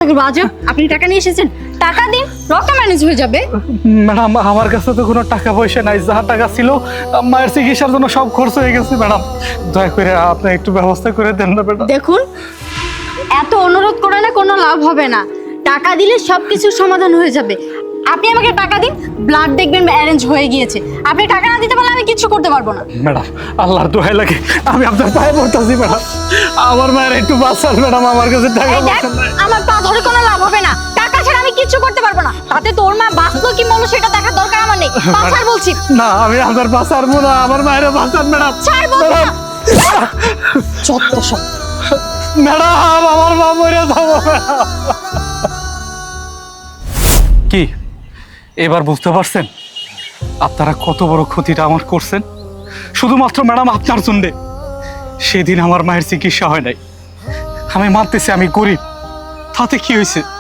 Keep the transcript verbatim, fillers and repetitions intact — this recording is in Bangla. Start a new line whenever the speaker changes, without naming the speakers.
করবো আজব? আপনি টাকা নিয়ে এসেছেন, টাকা দিন, রক্ত ম্যানেজ হয়ে যাবে।
ম্যাডাম আমার কাছে তো কোনো টাকা পয়সা নাই, যা টাকা ছিল মায়ের চিকিৎসার জন্য সব খরচ হয়ে গেছে ম্যাডাম। দয়া করে আপনি একটু ব্যবস্থা করে দেন না ম্যাডাম।
দেখুন, এত অনুরোধ করে না কোনো লাভ হবে না। টাকা দিলে সব কিছুর সমাধান হয়ে যাবে। আপনি আমাকে টাকা দিন, ব্লাড দেখবেন অ্যারেঞ্জ হয়ে গিয়েছে। আপনি টাকা না দিতে পারলে আমি কিছু করতে পারবো না।
ম্যাডাম আল্লাহর দোহাই লাগে, আমি আপনার পায়ে পড়তেছি ম্যাডাম, আমার মায়ের একটু বাঁচান ম্যাডাম, আমার কাছে টাকা
এই দেখ,
পয়সা নাই।
আমার পা ধরে কোনো লাভ হবে না। টাকা ছাড়া আমি কিছু করতে পারবো না। তাতে তোর মা বাঁচলো কি মরলো সেটা দেখার দরকার আমার নেই। বাঁচার বলছি।
না আমি আপনার বাঁচারবো না, আমার মায়ের বাঁচান ম্যাডাম।
ছাড় বলছি না। যত সব।
ম্যাডাম আমার মা মরে যাবো। কি এবার বুঝতে পারছেন আপনারা কত বড় ক্ষতিটা আমার করছেন? শুধুমাত্র ম্যাডাম আপনার জন্যে। সেদিন আমার মায়ের চিকিৎসা হয় নাই। আমি মানতেছি আমি গরিব, তাতে কি হয়েছে?